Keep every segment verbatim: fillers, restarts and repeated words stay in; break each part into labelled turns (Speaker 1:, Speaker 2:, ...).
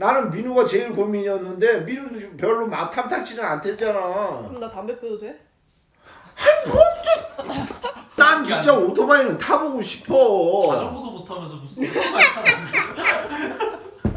Speaker 1: 나는 민우가 제일 고민이었는데 민우도 지금 별로 막 탐탁지는 않댔잖아.
Speaker 2: 그럼 나 담배 피워도 돼?
Speaker 1: 난 진짜 오토바이는 타보고 싶어.
Speaker 3: 자전거도 못 타면서 무슨 오토바이 타는 거야?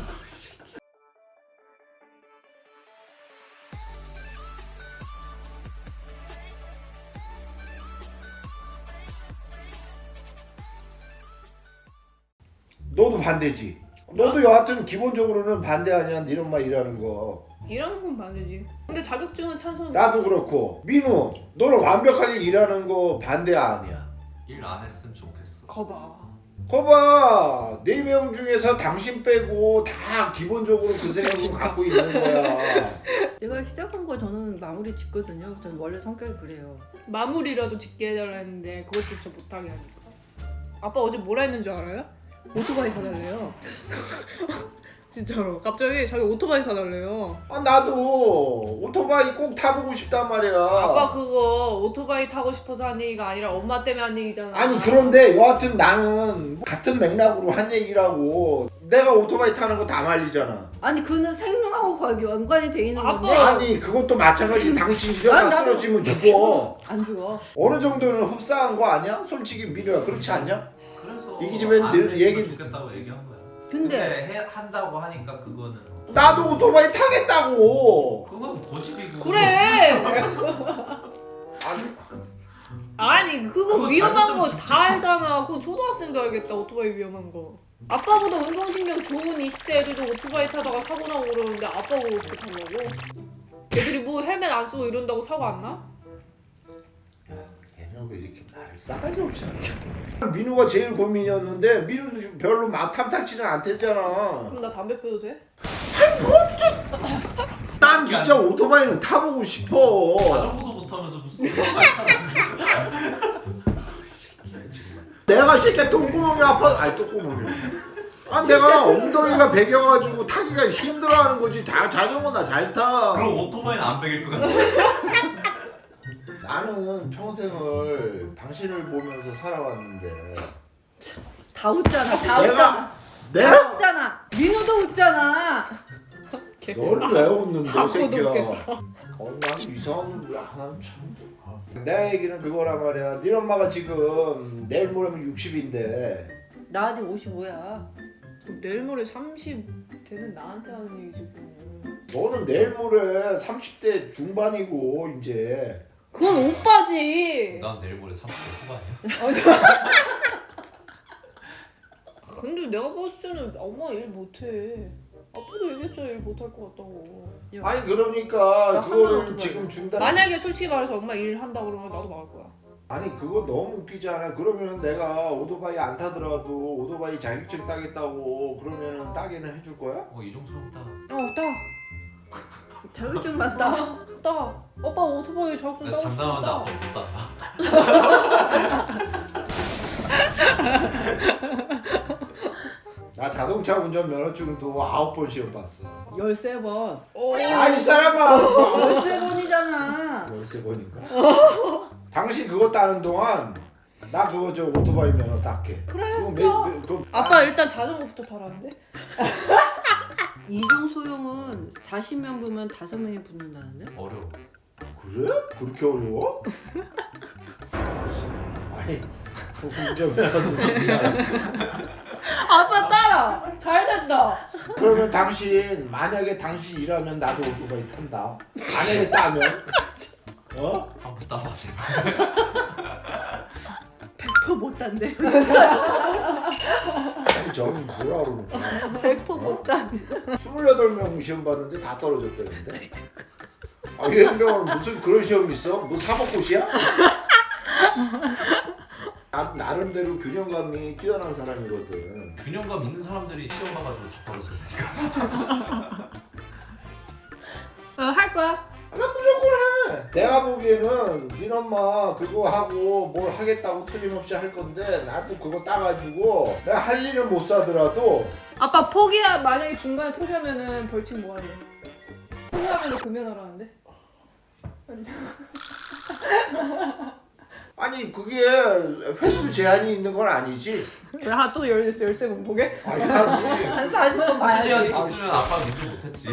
Speaker 1: 너도 반대지? 너도 여하튼 기본적으로는 반대 아니야? 네 엄마 일하는 거.
Speaker 2: 일하는 건 반대지. 근데 자격증은 찬성.
Speaker 1: 나도 그렇고. 민우, 너는 완벽하게 일하는 거 반대 아니야?
Speaker 3: 일 안 했으면 좋겠어.
Speaker 2: 거봐.
Speaker 1: 거봐, 네 명 중에서 당신 빼고 다 기본적으로 그 생각을 갖고 있는 거야.
Speaker 4: 내가 시작한 거 저는 마무리 짓거든요. 저는 원래 성격이 그래요.
Speaker 2: 마무리라도 짓게 해달라 했는데 그것조차 못하게 하니까. 아빠 어제 뭐라 했는 줄 알아요? 오토바이 사달래요. 진짜로 갑자기 자기 오토바이 사달래요.
Speaker 1: 아, 나도 오토바이 꼭 타보고 싶단 말이야.
Speaker 2: 아빠 그거 오토바이 타고 싶어서 한 얘기가 아니라 엄마 때문에 한 얘기잖아.
Speaker 1: 아니 그런데 여하튼 나는 같은 맥락으로 한 얘기라고. 내가 오토바이 타는 거 다 말리잖아.
Speaker 4: 아니 그는 생명하고 거의 연관이 돼 있는
Speaker 2: 아빠!
Speaker 4: 건데
Speaker 1: 아니 그것도 마찬가지. 당신 이러다
Speaker 4: 아니, 나도-
Speaker 1: 쓰러지면 죽어.
Speaker 4: 안 죽어.
Speaker 1: 어느 정도는 흡사한 거 아니야? 솔직히 민우야, 그렇지 않냐?
Speaker 3: 그래서
Speaker 1: 이 집엔
Speaker 3: 안
Speaker 1: 늘
Speaker 3: 했으면
Speaker 1: 얘기-
Speaker 3: 좋겠다고 얘기한 거야.
Speaker 4: 근데
Speaker 3: 해, 한다고 하니까 그거는
Speaker 1: 나도 오토바이 타겠다고.
Speaker 3: 그건 고집이고.
Speaker 2: 그래.
Speaker 1: 아니,
Speaker 2: 아니 그거
Speaker 3: 그거
Speaker 2: 위험한
Speaker 3: 잘못하면
Speaker 2: 거
Speaker 3: 진짜.
Speaker 2: 다 알잖아. 그건 초등학생도 알겠다. 오토바이 위험한 거. 아빠보다 운동신경 좋은 이십 대 애들도 오토바이 타다가 사고 나고 그러는데 아빠가 어떻게 타려고? 애들이 뭐 헬멧 안 쓰고 이런다고 사고 안 나?
Speaker 1: 얘는 왜 이렇게 말을 싸가지 없이 하냐? 민우가 제일 고민이었는데 민우도 지금 별로 막 탐탁지는 않댔잖아.
Speaker 2: 그럼 나 담배 피워도 돼?
Speaker 1: 난 진짜 오토바이는 타보고 싶어.
Speaker 3: 자전거도 못 타면서 무슨 오토바이 타는 거야?
Speaker 1: 내가 새끼 똥구멍이 아파. 아니 똥구멍이. 아 내가 엉덩이가 베겨가지고 타기가 힘들어하는 거지. 다 자전거 나 잘 타.
Speaker 3: 그럼 오토바이는 안 베길 것 같아.
Speaker 1: 나는 평생을 당신을 보면서 살아왔는데.
Speaker 4: 다 웃잖아. 다
Speaker 1: 내가-
Speaker 4: 웃잖아. 다
Speaker 1: 내가
Speaker 4: 웃잖아. 민우도 웃잖아.
Speaker 1: 너를 왜 웃는데
Speaker 2: 바보도
Speaker 1: 새끼야.
Speaker 2: 웃겠다.
Speaker 1: 어, 난 이상한 거야. 난 참. 아. 내 얘기는 그거란 말이야. 네 엄마가 지금 내일 모레면 육십인데
Speaker 4: 나 아직 오십오야.
Speaker 2: 내일 모레 삼십 되는 나한테 하는 얘기지 그거는.
Speaker 1: 너는 내일 모레 삼십 대 중반이고 이제.
Speaker 2: 그건 오빠지.
Speaker 3: 난 내일 모레 삼십 대 후반이야.
Speaker 2: 근데 내가 봤을 때는 엄마 일 못해. 아빠도 얘기했죠. 일 못할 것 같다고.
Speaker 1: 아니 그러니까
Speaker 4: 나
Speaker 1: 그거를
Speaker 4: 하나도
Speaker 1: 지금 중단.
Speaker 2: 만약에 솔직히 말해서 엄마 일 한다 그러면 나도 막을 거야.
Speaker 1: 아니 그거 너무 웃기지 않아? 그러면 내가 오토바이 안 타더라도 오토바이 자격증 따겠다고 그러면은 따기는 해줄 거야?
Speaker 3: 어 이종소름 따.
Speaker 2: 어, 따.
Speaker 4: 자격증 맞다.
Speaker 2: 따. 따. 오빠 오토바이 자격증
Speaker 3: 나
Speaker 2: 따고
Speaker 3: 장담하는데
Speaker 2: 싶다.
Speaker 3: 아빠 못 딴다.
Speaker 1: 나 자동차 운전 면허증도 아홉 번 시험 봤어.
Speaker 4: 열세 번.
Speaker 1: 아 이 사람아.
Speaker 4: 열세 번이잖아.
Speaker 1: 열세 번인가? 당신 그거 따는 동안 나 그거 저 오토바이 면허 땄게.
Speaker 2: 그래.
Speaker 1: 그거 매,
Speaker 2: 따.
Speaker 1: 매, 그거
Speaker 2: 아빠 일단 자전거부터 타라는데?
Speaker 4: 이종 소형은 사십 명 보면 다섯 명이 붙는다는데?
Speaker 3: 어려워.
Speaker 1: 그래? 그렇게 어려워? 아니 운전면허도 쉽지 않았어.
Speaker 2: 아빠 따라. 잘 됐다.
Speaker 1: 그러면 당신 만약에 당신 일하면 나도 오토바이 탄다. 만약에 따면 어?
Speaker 3: 한번 따봐 제발.
Speaker 4: 백 퍼센트 못 단대.
Speaker 1: 아니 저기 뭐라 그러는 거야?
Speaker 4: 백 퍼센트 못 단대.
Speaker 1: 스물여덟 명 시험 봤는데 다 떨어졌다는데? 아 유행병원은 무슨 그런 시험 있어? 뭐 사법고시야? 나, 나름대로 균형감이 뛰어난 사람이거든.
Speaker 3: 균형감 있는 사람들이 시험 봐가지고 다 떨어졌으니까.
Speaker 2: 어, 할 거야?
Speaker 1: 아, 나 무조건 해. 내가 보기에는 네 엄마 그거 하고 뭘 하겠다고 틀림없이 할 건데 나도 그거 따가지고 내가 할 일은 못 사더라도
Speaker 2: 아빠 포기야. 만약에 중간에 포기하면은 벌칙 뭐 하냐? 포기하면 금연하라는데?
Speaker 1: 아니 그게 횟수 제한이 있는 건 아니지.
Speaker 2: 왜또 열세 번 보게?
Speaker 1: 아니 하지.
Speaker 4: 한 사십 번
Speaker 3: 수지가
Speaker 4: 봐야지.
Speaker 3: 있었으면 아빠 눈질 못했지.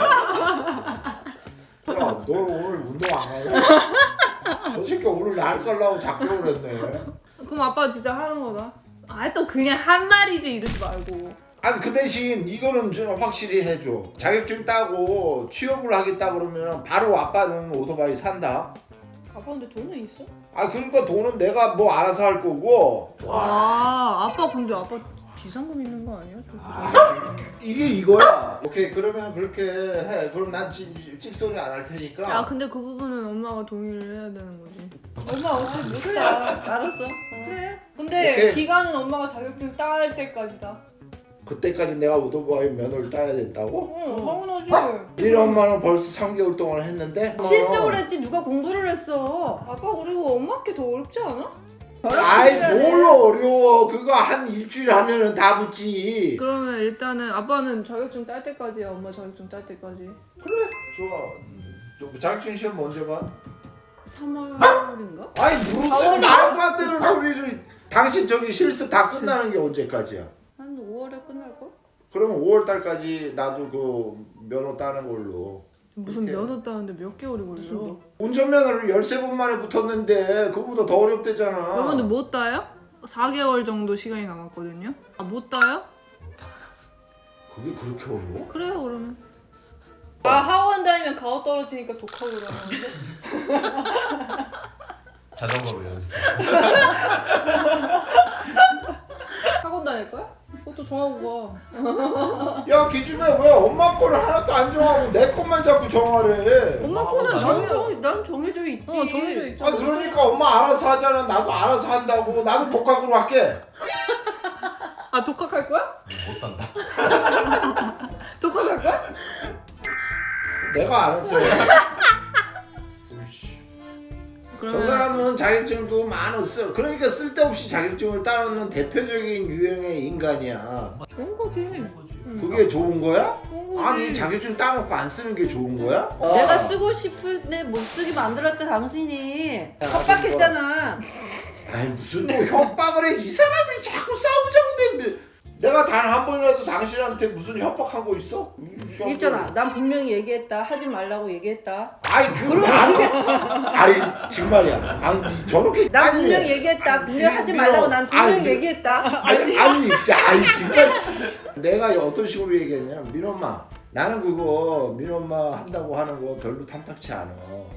Speaker 1: 야, 너 오늘 운동 안 가냐? 저 새끼 오늘 날 깔라고 자꾸 그랬네.
Speaker 2: 그럼 아빠 진짜 하는 거다. 아 또 그냥 한 말이지 이러지 말고.
Speaker 1: 아니 그 대신 이거는 좀 확실히 해줘. 자격증 따고 취업을 하겠다 그러면 바로 아빠는 오토바이 산다.
Speaker 2: 아빠 근데 돈은 있어?
Speaker 1: 아 그러니까 돈은 내가 뭐 알아서 할 거고.
Speaker 2: 아 아빠 근데 아빠 비상금 있는 거 아니야?
Speaker 1: 아, 이게 이거야. 오케이 그러면 그렇게 해. 그럼 난 찌- 찍소리 안 할 테니까.
Speaker 2: 야 근데 그 부분은 엄마가 동의를 해야 되는 거지.
Speaker 4: 엄마 어차피 못다. 알았어. 그래.
Speaker 2: 근데
Speaker 1: 오케이.
Speaker 2: 기간은 엄마가 자격증 딸 때까지다.
Speaker 1: 그때까지 내가 오토바이 면허를 따야 된다고?
Speaker 2: 응 당연하지.
Speaker 1: 우리 엄마는 벌써 삼 개월 동안 했는데.
Speaker 4: 실습을 했지 누가 공부를 했어.
Speaker 2: 아빠 그리고 엄마께 더 어렵지 않아?
Speaker 1: 아이 뭘 어려워. 그거 한 일주일 하면은 다 붙지.
Speaker 2: 그러면 일단은 아빠는 자격증 딸 때까지야. 엄마 자격증 딸 때까지.
Speaker 1: 그래 좋아. 너 자격증 시험 언제 봐?
Speaker 4: 삼월인가?
Speaker 1: 아니 무슨 말도 안 되는 소리를. 당신 저기 실습 다 끝나는 게 언제까지야?
Speaker 4: 한 오월에 끝날 걸?
Speaker 1: 그러면 오월 달까지 나도 그 면허 따는 걸로.
Speaker 2: 무슨
Speaker 1: 그렇게.
Speaker 2: 면허 따는데 몇 개월이 걸려?
Speaker 1: 운전면허를 열세 번 만에 붙었는데 그거보다 더 어렵대잖아.
Speaker 2: 여러분들 못 따요? 사 개월 정도 시간이 남았거든요. 아 못 따요?
Speaker 1: 그게 그렇게 어려워?
Speaker 2: 그래요 그러면. 아 학원 다니면 가오 떨어지니까 독하고 그러는데.
Speaker 3: 자전거로 연습.
Speaker 2: 학원 다닐 거야? 그것도 정하고
Speaker 1: 야 기준에 왜 엄마 거를 하나도 안 정하고 내 것만 자꾸 정하래.
Speaker 2: 가. 엄마
Speaker 3: 학원
Speaker 2: 거는
Speaker 3: 다녀?
Speaker 2: 정해.
Speaker 4: 난, 정, 난 정해져 있지.
Speaker 2: 어 정해져 있죠.
Speaker 1: 아 그러니까 엄마 알아서 하잖아. 나도 알아서 한다고. 나도 독학으로 할게.
Speaker 2: 아 독학할 거야?
Speaker 3: 못 단다.
Speaker 2: 독학할 거야?
Speaker 1: 내가 알아서 해. 오이씨. 저
Speaker 2: 그러면
Speaker 1: 사람은 자격증도 많았어. 그러니까 쓸데없이 자격증을 따놓는 대표적인 유형의 인간이야.
Speaker 2: 좋은 거지. 응.
Speaker 1: 그게 좋은 거야?
Speaker 2: 좋은 거지.
Speaker 1: 아니 자격증 따놓고 안 쓰는 게 좋은 거야?
Speaker 4: 내가 쓰고 싶은데 못 쓰게 만들었다 당신이.
Speaker 1: 야,
Speaker 4: 협박했잖아.
Speaker 1: 아니 무슨 또 협박을 해. 이 사람이 자꾸 싸우자고 되는데 내가 단 한 번이라도 당신한테 무슨 협박한 거 있어?
Speaker 4: 있잖아. 난 분명히 얘기했다. 하지 말라고 얘기했다.
Speaker 1: 아이 그럼 안 아이 정말이야. 아니 저렇게
Speaker 4: 난
Speaker 1: 아니,
Speaker 4: 분명히 얘기했다.
Speaker 1: 아니,
Speaker 4: 분명히 하지
Speaker 1: 민호,
Speaker 4: 말라고 난 분명히
Speaker 1: 아니,
Speaker 4: 얘기했다.
Speaker 1: 아니 아니 아니 정말 내가 어떤 식으로 얘기했냐면 민엄마 나는 그거 민엄마 한다고 하는 거 별로 탐탁치 않아.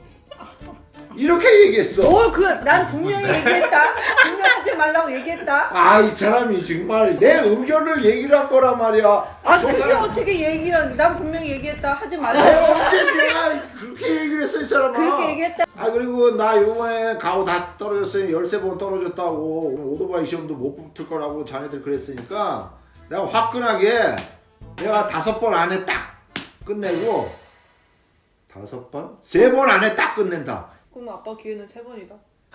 Speaker 1: 이렇게 얘기했어.
Speaker 4: 뭘 그 난 분명히 얘기했다. 분명히 하지 말라고 얘기했다.
Speaker 1: 아 이 사람이 정말 내 의견을 얘기를 한 거란 말이야.
Speaker 4: 아
Speaker 1: 저
Speaker 4: 그게
Speaker 1: 사람-
Speaker 4: 어떻게 얘기를 하는 난 분명히 얘기했다. 하지 말라고.
Speaker 1: 내가 언제 내가 그렇게 얘기를 했어 이 사람아.
Speaker 4: 그렇게 얘기했다.
Speaker 1: 아 그리고 나 요번에 가오 다 떨어졌어요. 열세 번 떨어졌다고. 오늘 오토바이 시험도 못 붙을 거라고 자네들 그랬으니까 내가 화끈하게 내가 다섯 번 안에 딱 끝내고 다섯 번? 세 번 안에 딱 끝낸다.
Speaker 2: 그럼 아빠 기회는 세 번이다.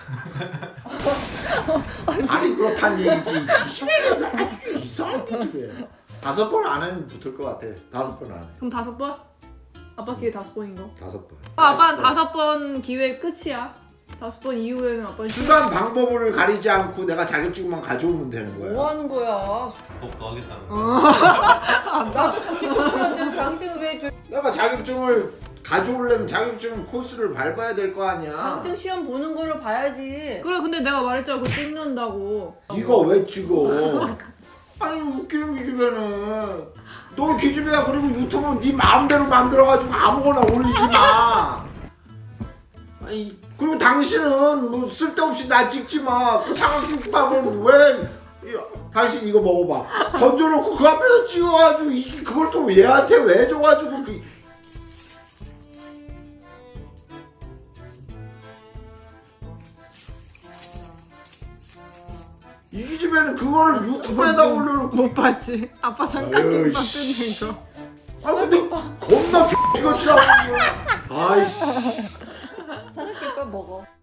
Speaker 1: 아니 그렇단 얘기지. 이 시간이 아주 이상하게 왜. 다섯 번 안에는 붙을 것 같아. 다섯 번 안에.
Speaker 2: 그럼 다섯 번? 아빠 기회 다섯 번인 거.
Speaker 1: 다섯 번.
Speaker 2: 아, 아빠는 다섯 번 기회 끝이야. 다섯 번 이후에는 아빠
Speaker 1: 수단 방법을 가리지 않고 내가 자격증만 가져오면 되는 거야.
Speaker 4: 뭐 하는 거야?
Speaker 3: 독도 하겠다는 거.
Speaker 2: 어.
Speaker 4: 나도 잠시 공부하는데 당신은 왜 저-
Speaker 1: 내가 자격증을 가져오려면 자격증 코스를 밟아야 될 거 아니야.
Speaker 4: 자격증 시험 보는 거를 봐야지.
Speaker 2: 그래 근데 내가 말했잖아 그거 찍는다고.
Speaker 1: 네가 왜 찍어? 아니 웃기는 기집애는 너 기집애야. 그리고 유튜브 네 마음대로 만들어가지고 아무거나 올리지 마. 아니 그리고 당신은 뭐 쓸데없이 나 찍지 마. 그 사각김밥은 왜? 야, 당신 이거 먹어봐. 던져놓고 그 앞에서 찍어가지고 이 그걸 또 얘한테 왜 줘가지고 그. 이 기집애는 그거를 유튜브에다 올려놓고.
Speaker 2: 못 봤지? 아빠
Speaker 1: 삼각김밥
Speaker 2: 뜯는 거.
Speaker 1: 아 근데 겁나 X같이 나오는 거야. 아이씨.
Speaker 4: 사각김밥 먹어.